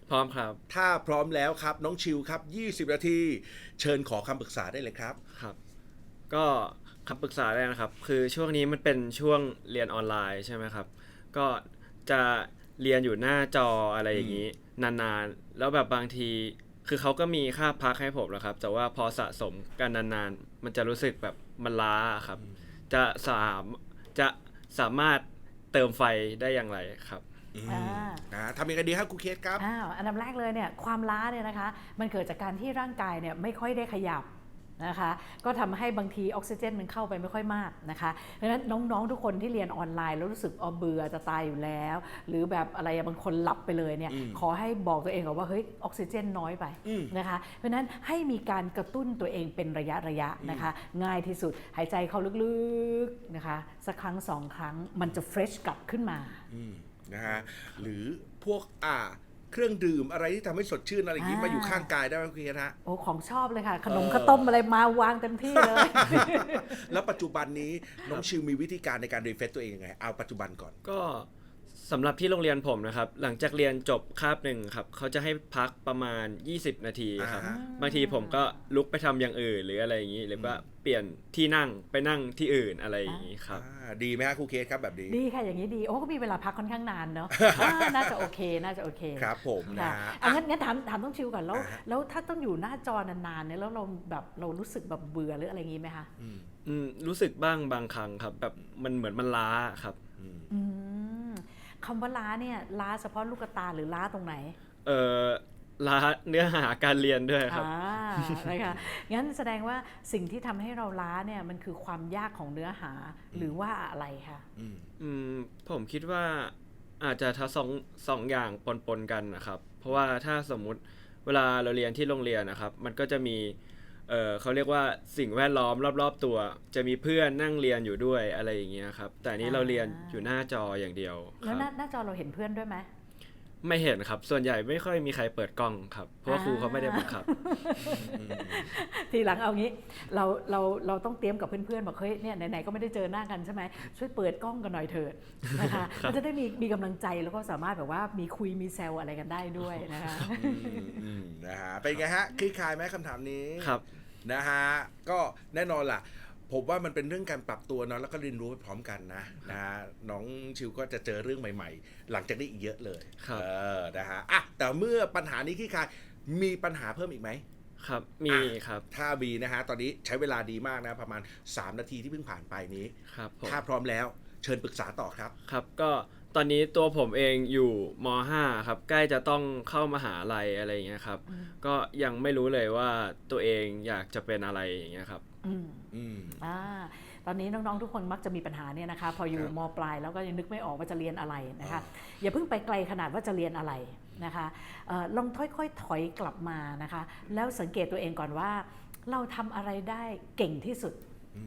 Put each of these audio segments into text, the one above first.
พร้อมครับถ้าพร้อมแล้วครับน้องชิวครับ20นาทีเชิญขอคำปรึกษาได้เลยครับครับก็คำปรึกษาแรกนะครับคือช่วงนี้มันเป็นช่วงเรียนออนไลน์ใช่ไหมครับก็จะเรียนอยู่หน้าจออะไรอย่างนี้นานๆแล้วแบบบางทีคือเขาก็มีค่าพักให้ผมแล้วครับแต่ว่าพอสะสมกันนานๆมันจะรู้สึกแบบมันล้าครับจะสามจะสามารถเติมไฟได้อย่างไรครับอือ่ามทำยังไงดีครับครูเคสครับอันดับแรกเลยเนี่ยความล้าเนี่ยนะคะมันเกิดจากการที่ร่างกายเนี่ยไม่ค่อยได้ขยับนะคะก็ทำให้บางทีออกซิเจนมันเข้าไปไม่ค่อยมากนะคะดังนั้นน้องๆทุกคนที่เรียนออนไลน์แล้วรู้สึกเบื่อจะตายอยู่แล้วหรือแบบอะไรบางคนหลับไปเลยเนี่ยขอให้บอกตัวเองก่อนว่าเฮ้ยออกซิเจนน้อยไปนะคะเพราะนั้นให้มีการกระตุ้นตัวเองเป็นระยะนะคะง่ายที่สุดหายใจเข้าลึกๆนะคะสักครั้ง2 ครั้งมันจะเฟรชกลับขึ้นมานะฮะหรือพวกเครื่องดื่มอะไรที่ทำให้สดชื่นอะไรอย่างนี้มาอยู่ข้างกายได้ไหมคุณเคสฮะโอ้ของชอบเลยค่ะขนมข้าวต้มอะไรมาวางเต็มที่เลยแล้วปัจจุบันนี้น้องชิวมีวิธีการในการรีเฟรชตัวเองยังไงเอาปัจจุบันก่อนก็สำหรับที่โรงเรียนผมนะครับหลังจากเรียนจบคาบหนึ่งครับเขาจะให้พักประมาณ20นาทีครับบางทีผมก็ลุกไปทำอย่างอื่นหรืออะไรอย่างนี้หรือว่าเปลี่ยนที่นั่งไปนั่งที่อื่นอะไรอย่างนี้ครับดีไหมฮะครูเคสครับแบบนี้ดีค่ะอย่างนี้ดีโอ้ก็มีเวลาพักค่อนข้างนานเนาะน่าจะโอเคน่าจะโอเคครับผมนะงั้นถามต้องชิวก่อนแล้วถ้าต้องอยู่หน้าจอนานๆเนี่ยแล้วเราแบบเรารู้สึกแบบเบื่อหรืออะไรอย่างนี้ไหมคะรู้สึกบ้างบางครั้งครับแบบมันเหมือนมันล้าครับคำว่าล้าเนี่ยล้าเฉพาะลูกตาหรือล้าตรงไหนล้าเนื้อหาการเรียนด้วยครับนะคะงั้นแสดงว่าสิ่งที่ทำให้เราล้าเนี่ยมันคือความยากของเนื้อหาหรือว่าอะไรคะผมคิดว่าอาจจะทั้งสองอย่างปนกันนะครับเพราะว่าถ้าสมมุติเวลาเราเรียนที่โรงเรียนนะครับมันก็จะมีเขาเรียกว่าสิ่งแวดล้อมรอบๆตัวจะมีเพื่อนนั่งเรียนอยู่ด้วยอะไรอย่างเงี้ยครับแต่นี้เราเรียนอยู่หน้าจออย่างเดียวแล้วหน้าจอเราเห็นเพื่อนด้วยไหมไม่เห็นครับส่วนใหญ่ไม่ค่อยมีใครเปิดกล้องครับเพราะว่าครูเขาไม่ได้บังคับทีหลังเอางี้เราต้องเตรียมกับเพื่อนๆบอกเฮ้ยเนี่ยไหนๆก็ไม่ได้เจอหน้ากันใช่ไหมช่วยเปิดกล้องกันหน่อยเถิดนะคะมันจะได้มีกำลังใจแล้วก็สามารถแบบว่ามีคุยมีแซวอะไรกันได้ด้วยนะคะนะฮะเป็นไงฮะคลี่คลายไหมคำถามนี้ครับนะฮะก็แน่นอนล่ะผมว่ามันเป็นเรื่องการปรับตัวเนาะแล้วก็เรียนรู้ไปพร้อมกันนะน้องชิวก็จะเจอเรื่องใหม่ๆหลังจากนี้อีกเยอะเลยนะฮะแต่เมื่อปัญหานี้คลี่คลายมีปัญหาเพิ่มอีกไหมครับมีครับถ้ามีนะฮะตอนนี้ใช้เวลาดีมากนะประมาณ3นาทีที่เพิ่งผ่านไปนี้ครับถ้าพร้อมแล้วเชิญปรึกษาต่อครับครับก็ตอนนี้ตัวผมเองอยู่ม.5 ครับใกล้จะต้องเข้ามหาลัยอะไรอย่างเงี้ยครับก็ยังไม่รู้เลยว่าตัวเองอยากจะเป็นอะไรอย่างเงี้ยครับตอนนี้น้องๆทุกคนมักจะมีปัญหาเนี่ยนะคะพออยู่ม.ปลายแล้วก็ยังนึกไม่ออกว่าจะเรียนอะไรนะคะอย่าเพิ่งไปไกลขนาดว่าจะเรียนอะไรนะคะลองค่อยๆถอยกลับมานะคะแล้วสังเกตตัวเองก่อนว่าเราทำอะไรได้เก่งที่สุด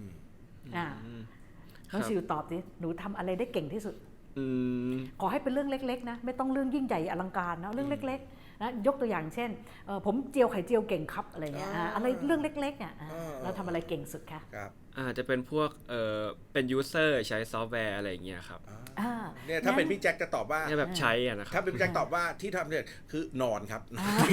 น้องชิวตอบดิหนูทำอะไรได้เก่งที่สุดขอให้เป็นเรื่องเล็กๆนะไม่ต้องเรื่องยิ่งใหญ่อลังการนะเรื่องเล็กๆนะยกตัวอย่างเช่นผมเจียวไข่เจียวเก่งครับอะไรเงี้ยอะไรเรื่องเล็กๆเนี่ยเราทำอะไรเก่งสุดคะอาจจะเป็นพวกเป็นยูเซอร์ใช้ซอฟต์แวร์อะไรอย่างเงี้ยครับเนี่ยถ้าเป็นพี่แจ็คจะตอบว่าแบบใช้นะครับถ้าเป็นพี่แจ็คตอบว่าที่ทำเนี่ยคือนอนครับ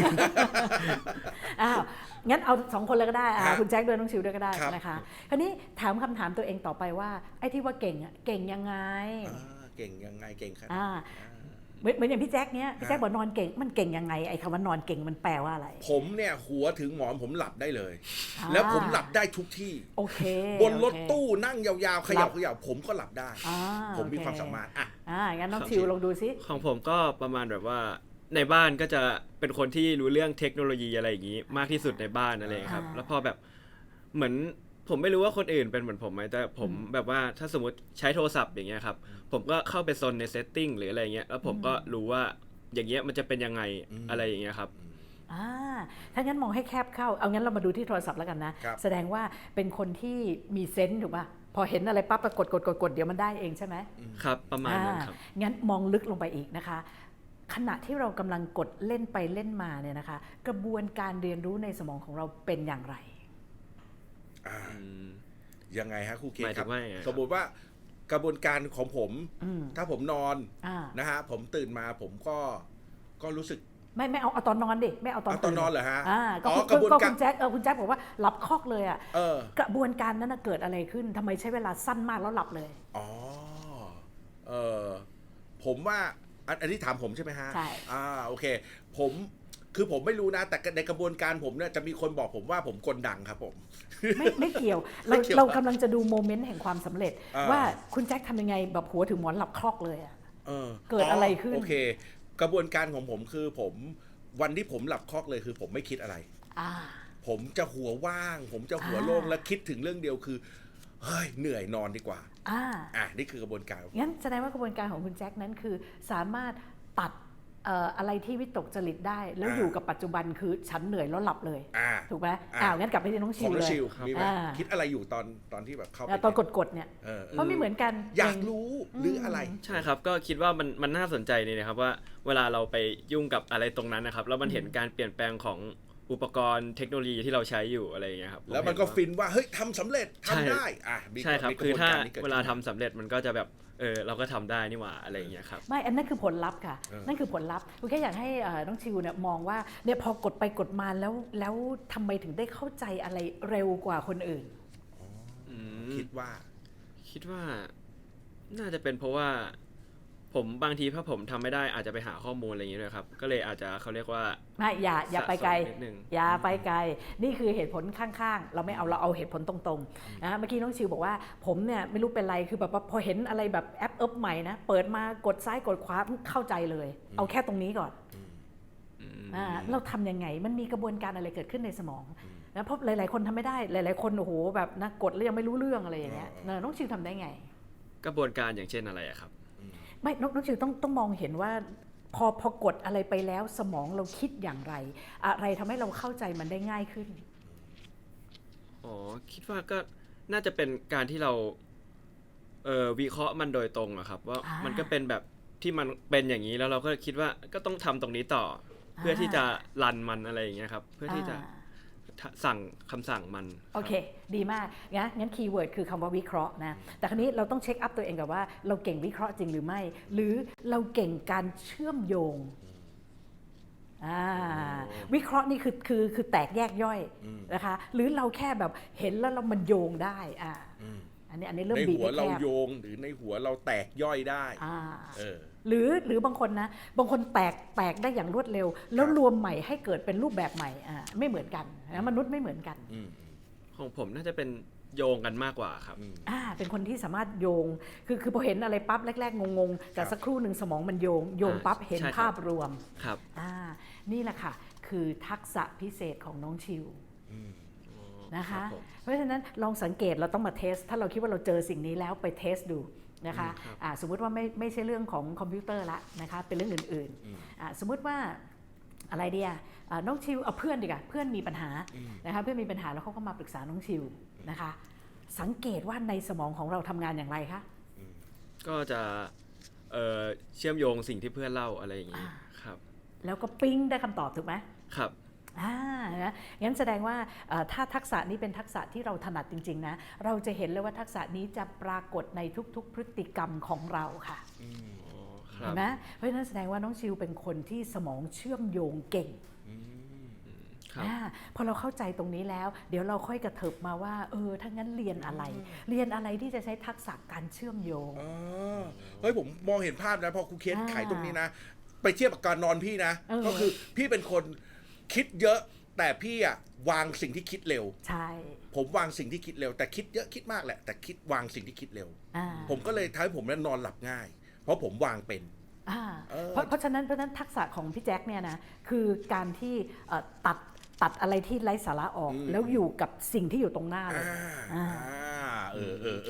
งั้นเอา2คนเลยก็ได้คุณแจ็คด้วยน้องชิวด้วยก็ได้นะคะคราวนี้ถามคำถามตัวเองต่อไปว่าไอ้ที่ว่าเก่งเก่งยังไงเก่งยังไงเก่งครับเหมือนอย่างพี่แจ็คเนี้ยพี่แจ็คบอกนอนเก่งมันเก่งยังไงไอ้คำว่านอนเก่งมันแปลว่าอะไรผมเนี่ยหัวถึงหมอนผมหลับได้เลยแล้วผมหลับได้ทุกที่โอเคบนรถตู้นั่งยาวๆขยับผมก็หลับได้ผมมีความสามารถงั้นน้องชิวลองดูซิของผมก็ประมาณแบบว่าในบ้านก็จะเป็นคนที่รู้เรื่องเทคโนโลยีอะไรอย่างนี้มากที่สุดในบ้านอะไรครับแล้วพอแบบเหมือนผมไม่รู้ว่าคนอื่นเป็นเหมือนผมไหมแต่ผมแบบว่าถ้าสมมติใช้โทรศัพท์อย่างเงี้ยครับผมก็เข้าไปโซนในเซตติ้งหรืออะไรเงี้ยแล้วผมก็รู้ว่าอย่างเงี้ยมันจะเป็นยังไงอะไรอย่างเงี้ยครับถ้างั้นมองให้แคบเข้าเอางั้นเรามาดูที่โทรศัพท์แล้วกันนะแสดงว่าเป็นคนที่มีเซนส์ถูกป่ะพอเห็นอะไรปั๊บกดเดี๋ยวมันได้เองใช่ไหมครับประมาณนั้นครับงั้นมองลึกลงไปอีกนะคะขณะที่เรากำลังกดเล่นไปเล่นมาเนี่ยนะคะกระบวนการเรียนรู้ในสมองของเราเป็นอย่างไรยังไงฮะครูเคครับสมมติว่ากระบวนการของผมถ้าผมนอนนะฮะผมตื่นมาผมก็รู้สึกไม่เอาตอนนอนดิไม่เอาตอนเอาตอนนอนเหรอฮะก็อ๋อกระบวนการคุณแจ็คคุณแจ็คบอกว่าหลับคอกเลยอ่ะเออกระบวนการนั้นเกิดอะไรขึ้นทำไมใช้เวลาสั้นมากแล้วหลับเลยอ๋อเออผมว่าอันนี้ถามผมใช่ไหมฮะใช่โอเคคือผมไม่รู้นะ แต่ในกระบวนการผมเนี่ยจะมีคนบอกผมว่าผมกลดังครับผมไม่เกี่ยวไม่เกี่ยวเรากำลังจะดูโมเมนต์แห่งความสำเร็จอ่าว่าคุณแจ็คทำยังไงแบบหัวถึงหมอนหลับคลอกเลยอ่ะเออเกิดอะไรขึ้นโอเค กระบวนการของผมคือวันที่ผมหลับคอกเลยคือผมไม่คิดอะไรอ่าผมจะหัวว่าง ผมจะหัวโล่งและคิดถึงเรื่องเดียวคือเฮ้ยเหนื่อยนอนดีกว่า นี่คือกระบวนการงั้นแสดงว่ากระบวนการของคุณแจ็คนั้นคือสามารถตัดอะไรที่วิตกจริตได้ แล้วอยู่กับปัจจุบันคือฉันเหนื่อยแล้วหลับเลย ถูกไหมงั้นกลับไปที่น้องขชิองวน้เลองยชิวมีไหมอ่าคิดอะไรอยู่ตอนที่แบบเข้าไปตอนกดเนี่ย เพราะไม่เหมือนกันอยากรู้หรืออะไรใช่ครับก็คิดว่ามันน่าสนใจนี่นะครับว่าเวลาเราไปยุ่งกับอะไรตรงนั้นนะครับแล้วมันเห็นการเปลี่ยนแปลงของอุปกรณ์เทคโนโลยีที่เราใช้อยู่อะไรอย่างเงี้ยครับแล้วมันก็ฟินว่าเฮ้ยทำสำเร็จทำได้มีใช่ครับมีกคืระอบวนถ้าการนี้กิดเวลาทำสำเร็จมันก็จะแบบเราก็ทำได้นี่หว่าอะไรอย่างเงี้ยครับไม่อันนั้นคือผลลัพธ์ค่ะ นั่นคือผลลัพธ์คุณแค่อยากให้น้องชิวเนี่ยมองว่าเนี่ยพอกดไปกดมาแล้วทำไมถึงได้เข้าใจอะไรเร็วกว่าคนอื่นคิดว่าคิดว่าน่าจะเป็นเพราะว่าผมบางทีถ้าผมทำไม่ได้อาจจะไปหาข้อมูลอะไรอย่างเงี้ยด้วยครับก็เลยอาจจะเขาเรียกว่าไม่อย่าไปไกลสะสมนิดนึงอย่าไปไกลนี่คือเหตุผลข้างๆเราไม่เอาเราเอาเหตุผลตรงๆนะเมื่อกี้น้องชิวบอกว่าผมเนี่ยไม่รู้เป็นไรคือแบบว่าพอเห็นอะไรแบบแอปใหม่นะเปิดมากดซ้ายกดขวาเข้าใจเลย เอาแค่ตรงนี้ก่อนเราทำยังไงมันมีกระบวนการอะไรเกิดขึ้นในสมองนะเพราะหลายๆคนทำไม่ได้หลายๆคนโอ้โหแบบนะกดแล้วยังไม่รู้เรื่องอะไรอย่างเงี้ยน้องชิวทำได้ไงกระบวนการอย่างเช่นอะไรอะครับไม่น้องชิวต้องมองเห็นว่าพอกดอะไรไปแล้วสมองเราคิดอย่างไรอะไรทำให้เราเข้าใจมันได้ง่ายขึ้นอ๋อคิดว่าก็น่าจะเป็นการที่เราวิเคราะห์มันโดยตรงอะครับว่ามันก็เป็นแบบที่มันเป็นอย่างนี้แล้วเราก็คิดว่าก็ต้องทำตรงนี้ต่อเพื่อที่จะรันมันอะไรอย่างเงี้ยครับเพื่อที่จะสั่งคำสั่งมันโอเคดีมากงั้นคีย์เวิร์ดคือคำว่าวิเคราะห์นะแต่คราวนี้เราต้องเช็คอัพตัวเองกับว่าเราเก่งวิเคราะห์จริงหรือไม่ หรือเราเก่งการเชื่อมโยงวิเคราะห์นี่คือแตกแยกย่อยนะคะหรือเราแค่แบบเห็นแล้วมันโยงได้อันนี้เริ่มในบีบหัวให้เราแคบโยงหรือในหัวเราแตกย่อยได้หรือบางคนนะบางคนแตกได้อย่างรวดเร็ว แล้วรวมใหม่ให้เกิดเป็นรูปแบบใหม่ไม่เหมือนกันนะมนุษย์ไม่เหมือนกันของผมน่าจะเป็นโยงกันมากกว่าครับเป็นคนที่สามารถโยงคือพอเห็นอะไรปั๊บแรกๆงงๆแต่สักครู่หนึ่งสมองมันโยงปั๊บเห็นภาพรวมครับนี่แหละค่ะคือทักษะพิเศษของน้องชิวนะคะเพราะฉะนั้นลองสังเกตเราต้องมาเทสถ้าเราคิดว่าเราเจอสิ่งนี้แล้วไปเทสดูนะคะสมมุติว่าไม่ใช่เรื่องของคอมพิวเตอร์ละนะคะเป็นเรื่องอื่นๆสมมุติว่าอะไรเดียน้องชิวเอาเพื่อนดีกว่าเพื่อนมีปัญหานะคะเพื่อนมีปัญหาแล้วเขาก็มาปรึกษาน้องชิวนะคะสังเกตว่าในสมองของเราทำงานอย่างไรคะก็จะเชื่อมโยงสิ่งที่เพื่อนเล่าอะไรอย่างนี้ครับแล้วก็ปิ๊งได้คำตอบถูกไหมครับนะงั้นแสดงว่าถ้าทักษะนี้เป็นทักษะที่เราถนัดจริงๆนะเราจะเห็นเลยว่าทักษะนี้จะปรากฏในทุกๆพฤติกรรมของเราค่ะเห็นไหมเพราะฉะนั้นแสดงว่าน้องชิวเป็นคนที่สมองเชื่อมโยงเก่งพอเราเข้าใจตรงนี้แล้วเดี๋ยวเราค่อยกระเถิบมาว่าถ้างั้นเรียนอะไรที่จะใช้ทักษะการเชื่อมโยงเฮ้ยผมมองเห็นภาพนะพอครูเคสไขตรงนี้นะไปเทียบกับการนอนพี่นะก็คือพี่เป็นคนคิดเยอะแต่พี่วางสิ่งที่คิดเร็วใช่ผมวางสิ่งที่คิดเร็วแต่คิดเยอะคิดมากแหละแต่วางสิ่งที่คิดเร็วผมก็เลยทำให้ผมนอนหลับง่ายเพราะผมวางเป็นเพราะฉะนั้นทักษะของพี่แจ็คเนี่ยนะคือการที่ตัดอะไรที่ไร้สาระออกแล้วอยู่กับสิ่งที่อยู่ตรงหน้าเลย